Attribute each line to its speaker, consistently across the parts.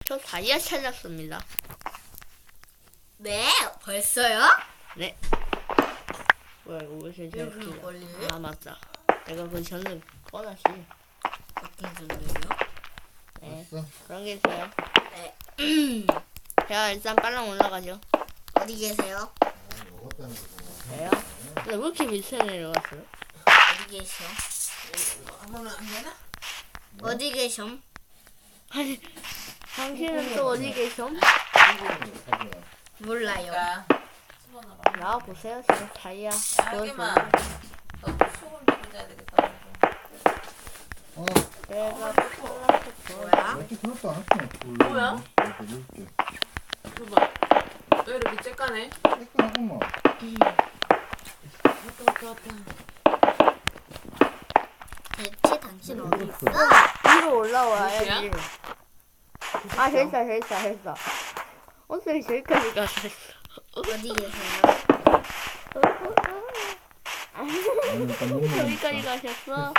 Speaker 1: 저 다이아 찾았습니다.
Speaker 2: 네, 벌써요?
Speaker 1: 네. 뭐야 이거 왜 이렇게
Speaker 2: 왜 그런 걸리지?
Speaker 1: 아 맞다. 내가 그 전에 꺼놨지.
Speaker 2: 어떤 소리예요?
Speaker 1: 네.
Speaker 3: 됐어.
Speaker 1: 그런 게 있어요.
Speaker 2: 네.
Speaker 1: 자 일단 빨랑 올라가죠.
Speaker 2: 어디 계세요?
Speaker 3: 먹었다는 거.
Speaker 1: 왜요? 근데 왜 이렇게 밑에 내려갔어요?
Speaker 2: 어디 계셔?
Speaker 4: 아무나 안 되나?
Speaker 2: 어디 계셔?
Speaker 1: 아니 당신은 또 어디 계셔?
Speaker 2: 몰라요.
Speaker 4: 야, 집어넣어라.
Speaker 1: 나와 보세요. 지금 다이아.
Speaker 4: 알게만. 너 수건 들고 자야 되겠다.
Speaker 3: 어,
Speaker 1: 내가
Speaker 2: 뭐야?
Speaker 3: 몇개 들었다 안 했어.
Speaker 4: 뭐야?
Speaker 3: 이렇게.
Speaker 4: 봐봐. 왜 이렇게 쬐까네?
Speaker 3: 깨끗하구만.
Speaker 4: 왔다.
Speaker 2: 대체 당신 어디 있어?
Speaker 1: 위로 올라와야지. 아 됐다. 어떻게 저기까지 가서 했어?
Speaker 2: 어디 계세요?
Speaker 1: 저기까지 가셨어?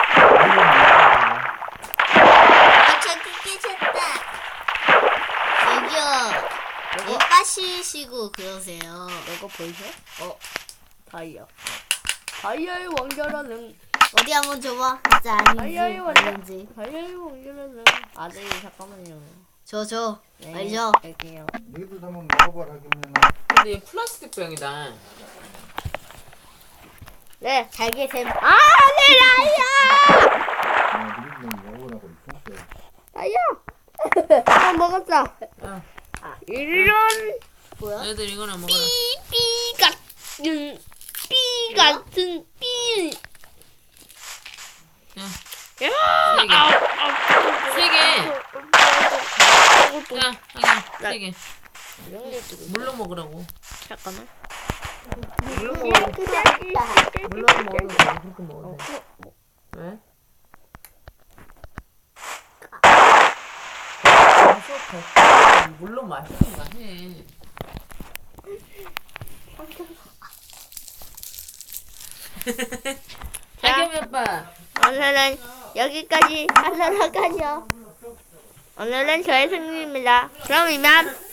Speaker 2: 저기 계셨다. 여기요. 뭐 빠시시고 그러세요.
Speaker 1: 이거 보이셔? 다이아의 왕자라는
Speaker 2: 어디 한번 줘봐. 진짜 아닌지
Speaker 1: 다이아의 왕자.
Speaker 2: 아닌지.
Speaker 1: 다이아의 왕자라는 아들이 잠깐만요.
Speaker 2: 저
Speaker 1: 네,
Speaker 2: 알죠?
Speaker 1: 할게요.
Speaker 3: 너희들 한번 먹어봐라 그러면은.
Speaker 4: 근데 얘 플라스틱 병이다.
Speaker 1: 네.
Speaker 2: 잘 계셈.
Speaker 1: 네 다이아!
Speaker 3: 너희들 먹어보라고 있었어.
Speaker 1: 다이아! 먹었어.
Speaker 4: 야,
Speaker 1: 이런
Speaker 2: 뭐야?
Speaker 4: 애들 이거나 먹어라.
Speaker 1: 삐 같은 삐.
Speaker 4: 야,
Speaker 1: 야.
Speaker 4: 세 개. 야, 하긴 세 개. 물로 먹으라고.
Speaker 1: 잠깐만.
Speaker 4: 물로 먹으라고. 물로 먹으라고. 그렇게 먹어야 돼. 왜? 물로 마시는가 해. 하겸이 아빠.
Speaker 1: 오늘은 여기까지 하도록 하죠. 오늘은 저의 승리입니다. 그럼 이만.